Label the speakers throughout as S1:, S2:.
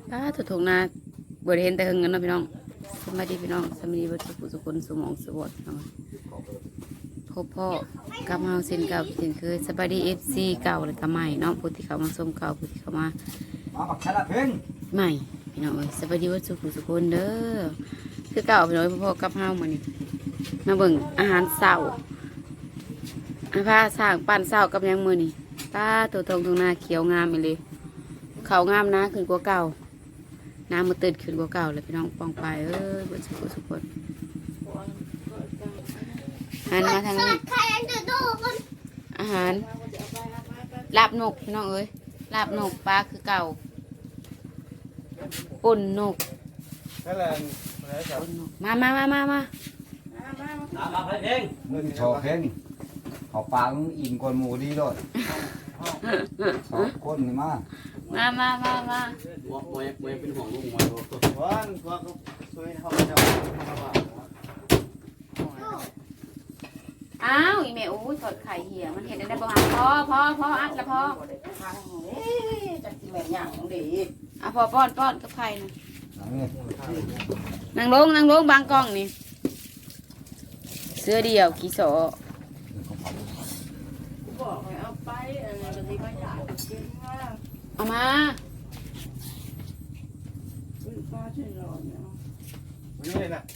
S1: ถูกถูกนาบริเห็นแต่หึงกันเนาะพี่น้องสวัสดีพี่น้องสวัสดีเบิดสุขสุขคนสมองสวดน้องพบพ่อกับเฮาเส้นเก่าเส้นเคยสวัสดีFCเก่าเลยก็ใหม่เนาะผู้ที่เขามาชมเก่าผู้ที่เขามา
S2: บักชนะเพ่ง
S1: ใหม่พี่น้องเอ้ยสวัสดีเบิดสุขสุขคนเด้อคือเก่าพี่น้องพ่อกับเฮามื้อนี้มาเบิ่งอาหารเช้าอาผ้าสร้างปั้นเช้ากับยังมื้อนี้ตาตัวตรงตรงหน้าเขียวงามอีเลยเขางามนะขึ้นกว่าเก่าน้ำมันตื่นขึ้นกว่าเก่าเลยพี่น้องปองไปเบิดสุขคนหันมาทางนี้อาหารลาบนกพี่น้องเอ้ยลาบนกปลาคือเก่าปุ่นนกมา
S2: น้ำมาเพ่งมึงโชว์เพ่งเขาปางอินกวนหมูดีด้วยสองคนนี่มา
S3: มวยเป็นห่วงลูกมวยวันก็ช่วยเขาจะ
S1: อ้าวอีเมลอู้สดไข่เหี่ยมันเห็นได้บ้างพออัดละพอ
S3: จะกินแบบอย่างดี
S1: พอป้อนกับไข่นะนั่งลงบางกล้องนี่เสื้อเดียวกี่โส
S3: บอกให้เอาไปอะไรแบบนี้ก็อยากกินว่า
S1: เอามา
S3: ป้าช่วยรอเนี่ย
S2: นี่เลยนะ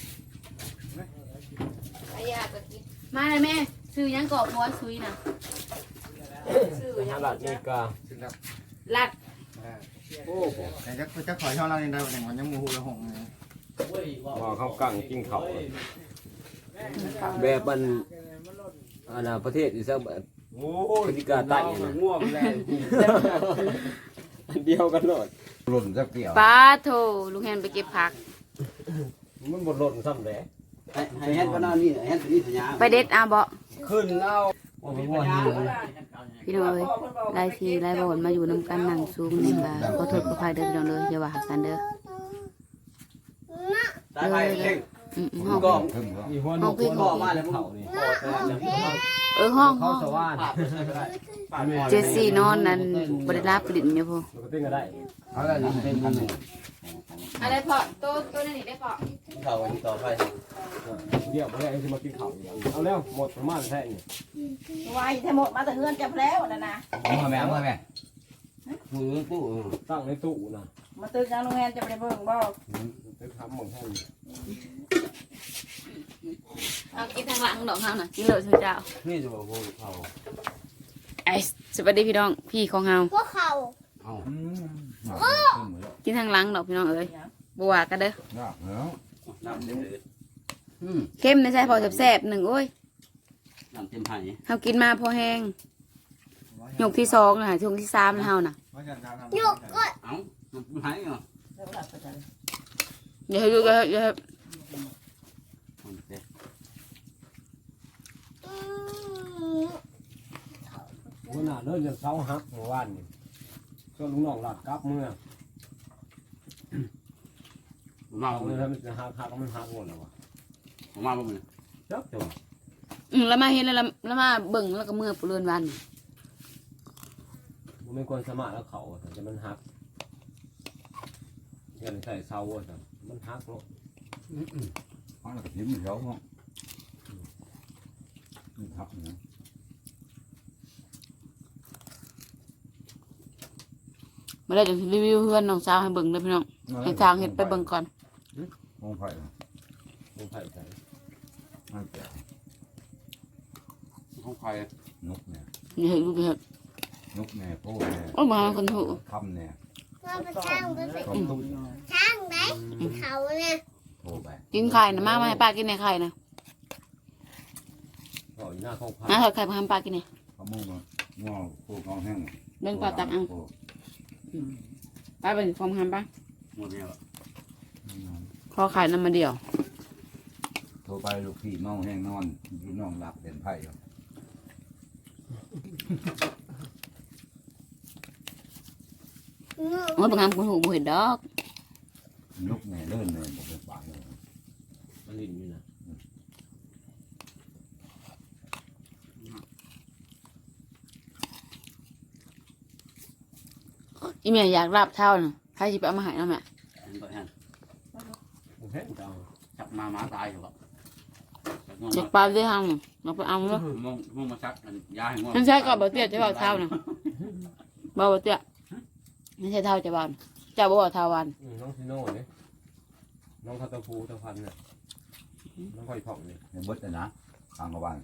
S1: ไอ้ยาก็กินมาเลยแม่ซื้อยังกรอบม้วนซุยนะ
S3: ซื้อยังหลัดนี่ก็
S1: ลัด
S3: โอ้โห
S2: แต่จะขอช่องเราในใดแต่วันยังมูหูละหงเลย
S3: ว่าเขากั้งกินเขาแบบมันประเทศอีสานพฤติการใต้ง่วงแรงเดียวกันหน่อย
S2: หล่นสักเกี่ยว
S1: ป้าโถลุงแฮนไปเก็บผัก
S3: มันบดหล่นซ้ำแหละให้เฮ็ดก็น่านี่เฮ็ดนี่สัญญา
S1: ไปเด็ดอาบ่
S3: ขึ้นเอา
S1: พี่น้องเอ้ยไล่ทีไล่บ่นมาอยู่นำกันนั่งซูมนี่ก็ขอโทษขออภัยเด้อพี่น้องเด้ออย่าว่าหักกันเด้อห้อง
S3: พี่พ่อมาแล้วพ่อนี่
S1: ห้อง
S3: สว่าน
S1: เจสซี่นอนนั่นบริลาปลิ่นอยู่พ่อ
S2: อะไรเป็นมัน
S1: อะไรพ่อตัวนั่นนี่ได้พ่อ
S3: เขาวันต่อไป
S4: เดี๋ยวมาแล้วจะมากินข้าวเอาแล้วหมดประมาณแค่นี้
S5: วายถ้าหมดมาแต่เฮือนจับแล้วนะ
S2: มาแม่
S3: มือตู้
S4: ตั้งในตู้นะ
S5: มาตื่นกลางโรงแรมจะไปเบิ่งบ่
S4: ไปทำหมดให้
S1: เอากินทางหลังดอกเฮาน่ะกินเลยสุดเจ้า
S3: นี่จะบอกเขา
S1: ไอ้สวัสดีพี่น้องพี่ของเฮา
S5: พวกเขา
S1: กินทางหลังดอกพี่น้องเอ้ยบัวกันเด้อเข้มไม่ใช่พอแซ่บๆหนึ่งโอ้ย
S3: น้ำเต็มไผ่
S1: เฮากินมาพอแห้งหยกที่2น่ะช่วงที่3แล้วเฮาน่ะ
S5: หยกก็
S3: เอ้าไผ่เหรอ
S1: อย่า
S4: วันน่ะเริ่มจะเช้าฮักเมื่อวานนี่ก็ลุงน้องหลัดกลับเมื่อ
S3: มา
S4: เลยถ้ามันจะฮักมันฮักหมดแล้ววะ
S3: มาบ่มื้อ
S4: จับจัง
S1: แล้วมาเห็นแล้วมาเบิ่งแล้วก็เมื่อปุเรือนวัน
S4: มันไม่ควรสมาแล้วเขาแต่มันฮักเงินใส่เสาอ่ะมันฮักเนาะ
S2: มันก็ยิ้มเหี่ยวเนาะนี่ทับนะ
S1: มาได้จะรีวิวเพื่อนน้องสาวให้เบิ่งเลยพี่น้องให้ทางเห็ดไปเบิ่งก่อน
S2: มองไผ่
S4: ใส่
S3: ห้องไผ่
S2: นกเนี่ย
S1: นี่เห็ดลูกเห็ด
S2: นกเนี่ยโป้เนี่ย
S1: โอ้มาคนถูก
S2: คำเนี่ย
S5: ช่างได้เขาเนี่ย
S1: กินไข่นะมาให้ป้ากินในไข่นะ
S4: หน้าเขา
S1: ถอดไข่มาให้ป้ากินเนี่ย
S2: เขามุ่งมาง้อโคกองแห้ง
S1: เบ่งปลาตักเอาป้าเป็นฟอมทำป้า
S3: หมดแล้ว
S1: ขอไข่น้ำมาเดียว
S2: โทรไปลูกพี่เมาแห้งนอนพี่น้องหลับเป็นไผ่
S1: โอ้ยบางครั้งคุณหูบุเห็นดอก
S2: ลูกแม่เลื่อนเลยบอกเป็นปากเลย
S4: มันลิ้นอยู่นะ
S1: อีเมียอยากราบเท่าน่ะใครสิไปเอามาให้น้ำแม่
S4: ผมเห็นจัง
S3: จับมาหมาตายอยู่บ่
S1: อยากปลาได้ทางเราไปเอาแล้ว
S3: มองมาชักยาให้ง่วง
S1: นั่นใช่ก็บ่เตี้ยจะบอกเท่านะบ่เตี้ยไม่ใช่เท่าจะบานเจ้าบ่บอกเท่าวัน
S4: น้องซิโน่เนี่ยน้องคาตาฟูตะพันเนี่ยน้องคอยผ่องเนี่ย
S2: ในบดนะทางกบ้าน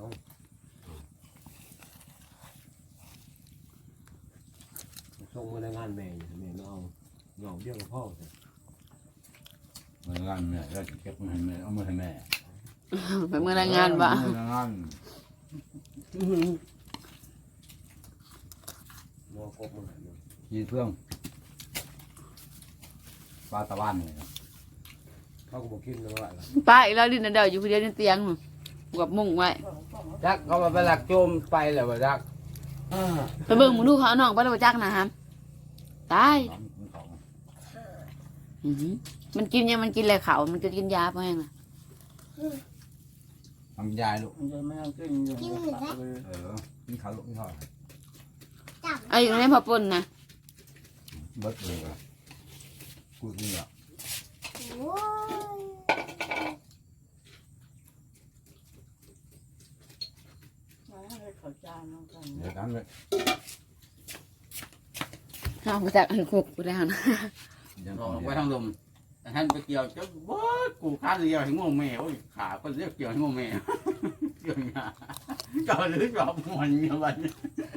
S4: ส่งมาในงานแม่แม่เอาเงาเดียวกับพ่อ
S2: เมื่องานเนี่ยแล้วเก็บมือให้แม่เอามือให้แม่
S1: ไปเมื่อรายงานบ่
S2: เมื่องาน
S4: มอกบมันหาย
S2: ยีเพื่องปลาตะวันเลย
S4: เขาก็บอกกินนะว่า
S1: ป้าอีกแล้วดินเดียวอยู่คนเดียวในเตียงกับมุ้งไว้
S3: จักเขามาไปหลักโจมไปแล้วบ่จัก
S1: ไปเบิ่งมึงดูเขาเอาน้องไปแล้วบ่จักนะฮะตายมันกินยังมันกินอะไรเขามันจะกินยาเพราะแห้งอ่ะ
S2: ทำยายลูก
S3: ไม่เอาขึ้น
S5: กินหรือไง
S2: กินข้าวลูกกินข้าว
S5: จับ
S1: ไอ้อยู่ในพอปนนะ
S2: บดเลยกูนี่อ่ะ
S5: โอ้ย
S2: เดี๋ยวนั้นเลย
S1: เอามาจากอันคุกกูแล้วนะ
S2: ยัง
S3: อ
S2: ต่อ
S3: อกไปทางลมท่านไปเกี่ยวจะบ่กูค้านเดียวให้ง่วงแม่โอ้ยขาก็เรียกเกี่ยวให้ง่วงแม่เกี่ยวงาก็หรือจอบมวนเงี้ยวันนี้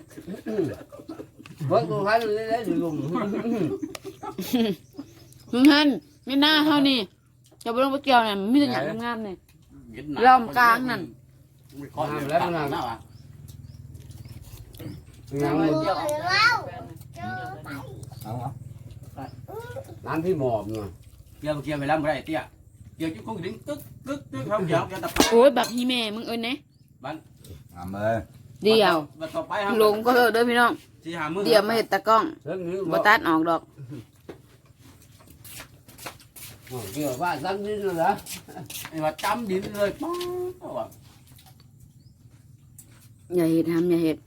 S3: เบิ่งกูค้านเลยได้ลุง
S1: มึงหันไม่น่าเท่านี่จะไปลงไปเกี่ยวเนี่ยมีแต่หยังงามๆเนี่ย ล้อมกลางนั่น
S3: แล้วมันน่ะ
S5: เดี๋ยวเราเจอไป
S2: เอาเหรอ
S3: ร้านพี่หมอบเนาะเกี่ยวไปแล้วบ่ได้เตี้ยเกี่ยวจุ๊กคงดึงตึ๊กเขาเกี่ยวตะ
S1: โอ้ยบักฮีแม่มึงเอ้ยเนี่ย
S2: เอาเลย
S1: เดียว
S3: ต่อไป
S1: ลงก็เถอะเด้อพี่น้องเดี๋ยวมาเห็ดตะกล้องบ่ตัดออกดอก
S3: เกี่ยวว่าซ้ำดินเลยเหรอไอ้ว่าจำดินเลยป้าว่า
S1: อย่าเห็ดทำอย่าเห็ด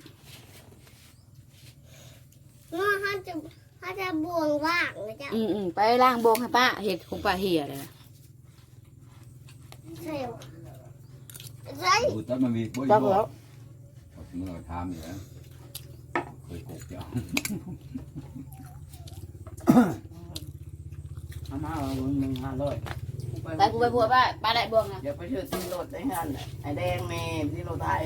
S5: ว่าเขาจะบวงว่างนะจ๊ะ
S1: ไปล้างโบงให้ป้าเห็ดของป้าเหียเลย
S5: เซลไร
S2: กูตัดมันมีบ่อย
S1: จักแล้ว
S2: เมื่อทำอยู่แล้วเคยกบเจ้า
S3: อามา1,500
S1: แต่กูไปบัวป้าได้บวงนะ
S6: เดี๋ยวไปชื่อซีโรดได้ฮันน่ะไอ้แดงแม่ซีโรดไทย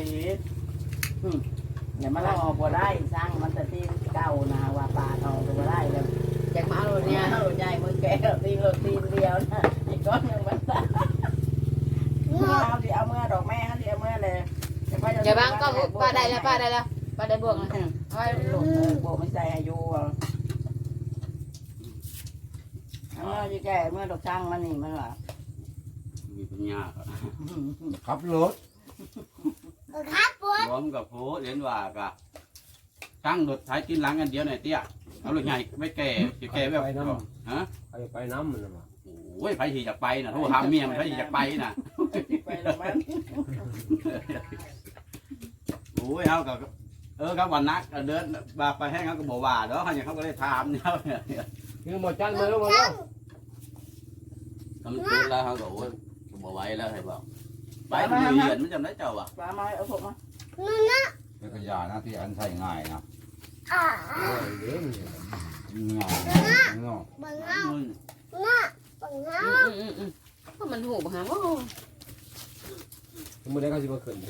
S6: อย่ามาลอกบ่ได้สร้างมันแต่ที่เก่านะว่าป่าทองก็บ่ได้แล้ว
S1: จากมาเอารถ
S6: เนี่
S1: เนี่ย ย
S6: เอาใจมือแก่ซีโรดตีนเดียวนะอีกก้อนหนึ่งมันตายเมื่อเอาที่เอาเมื่อดอกแม่เขาที่เอาเมื่อเลย
S1: อย่าบังก็ป้าได้แล้วป้าได้บวงแล้ว
S6: เอาไว้หลงโบไม่ใส่อายุเอาเมื่อจะแก่เมื่อดอกช่างมันนี่มันว่า
S3: มีปัญญา
S2: ขับรถ
S5: ครับปวด
S3: พร้อมกับโพเรียนว่ากะตั้งรถท้ายกินหลังกันเดียวหน่อยเตี้ยเอารถใหญ่ไม่แก่แก่แบบฮะ
S4: ไปน้ำมันนะ
S3: โอ้ยไผสิอยากไปน่ะโทรหาเมียมันไผสิอยากไปน่ะ
S6: ไปแล้วมัน
S3: โอ้ยเฮาก็ครับวันนักเดินบาไปให้เขาก็บ่ว่าเด้อเขาอย่างเขาก็ได้ถามเนี่ย
S4: คือหมดจันมาแล้วมาแล้ว
S3: ทำตื่นแล้วเขาก็โอ้ยบ่ไหวแล้วให้บอกไปมันเรียนมันจำได้เจ้าว่ะ
S6: ปลาไม้เอาผมมา
S5: นั่นนะ
S2: เป็นกระยานะที่อันใช้ง่ายนะ
S5: อ่า
S2: ง่ายเนาะ
S5: บังเอาบังเอา
S1: เพราะมันหูบังฮะโอ้
S4: มือได้เขาจะมาขึ้น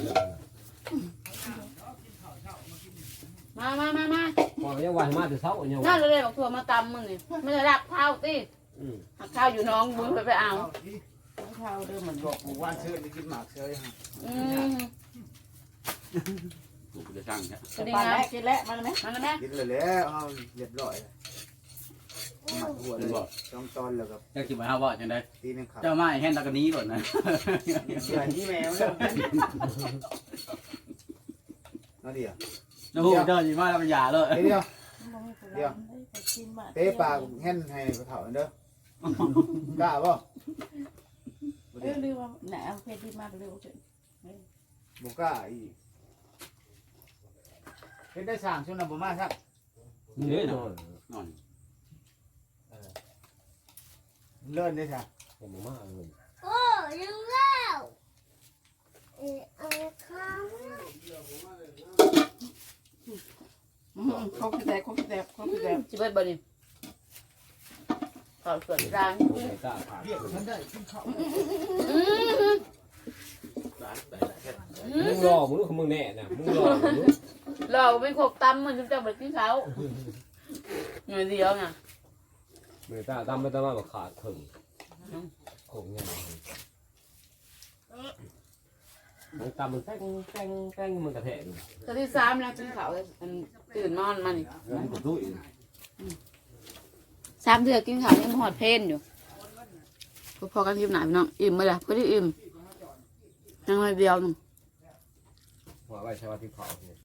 S1: มา
S4: พอยังวันมาแต่เช้าเนี่ย
S1: น่าเลยบอกทัวมาตำมึงนี่ไม่ได้รับข้าวติหักข้าวอยู่น้องบุญไปเอา
S6: ข้าวเด้อมันบอกว่าซื้อไปกินหมากเชยฮะ
S3: กูจะสั่งแค่
S1: สวัสดี
S6: ปลา
S1: นะ
S6: แรกกินแล้วมันไหม
S1: มาแล้วแม่
S7: กินเลยแล้วเอาเรียบร้อยหมัดหัว
S3: เป็
S7: เล
S3: น
S7: ย
S3: บอก
S7: ต้องตอนแล้วกับ
S3: เจ้าคิดว่าเฮาว่าจังได๋
S7: ตีนึงครับ
S3: เจ้ามาแห่นตะกนี้ก่อนนะ
S7: เสือที่แมวแล้วนั่นเดียว
S3: นะฮู้เจ้าสิมาแล้วมันหย่าเลย
S7: เดี๋ยวเตะปากแห่นให้กระเถาเด้อกล้าป่ะ
S6: เรื่องว่าไหนเอาเพชรดีมากเร็วเฉย
S7: บุกล้าอีกเป็นได้สั่งช่วงนั้นบ่มาครับ
S4: นี่นอน
S3: นอน
S7: เลื่อนได้จ้ะ
S4: เห็นมากเลย
S5: โอ้ยังแล้วเอาข้าว
S6: เขาคือแตกเขาคือแตกเขาคือแตก
S1: จิเบิดบ่นี่ข้าวสวนร้าน
S4: โอ้ยตาขาด
S7: เรียกฉันได้ขึ้นเขา
S4: มึงรอมึงรู้ของมึงแน่น่ะมึงรอมึงรู้
S1: เราเป็นขกตำมันจะบ่กินเขาเงินเดียวน่ะ
S4: มือตาตามไปตามมาแบบขาดถึงคงยังมึงตามมึงแป้งแป้งแป้งมึงกระแทก
S1: ตอนที่3แล้วกินข้าวมันตื่นนอนมานี่
S4: แล้วมึงรู้อีก
S1: 3เดือนกินข้าวยังหอดเพนอยู่พอกันคลิปหนาพี่น้องอิ่มบ่ล่ะพอดีอิ่มยังน้อยเดียวนึง
S4: ว่าไว้ใช้ว่าที่เขา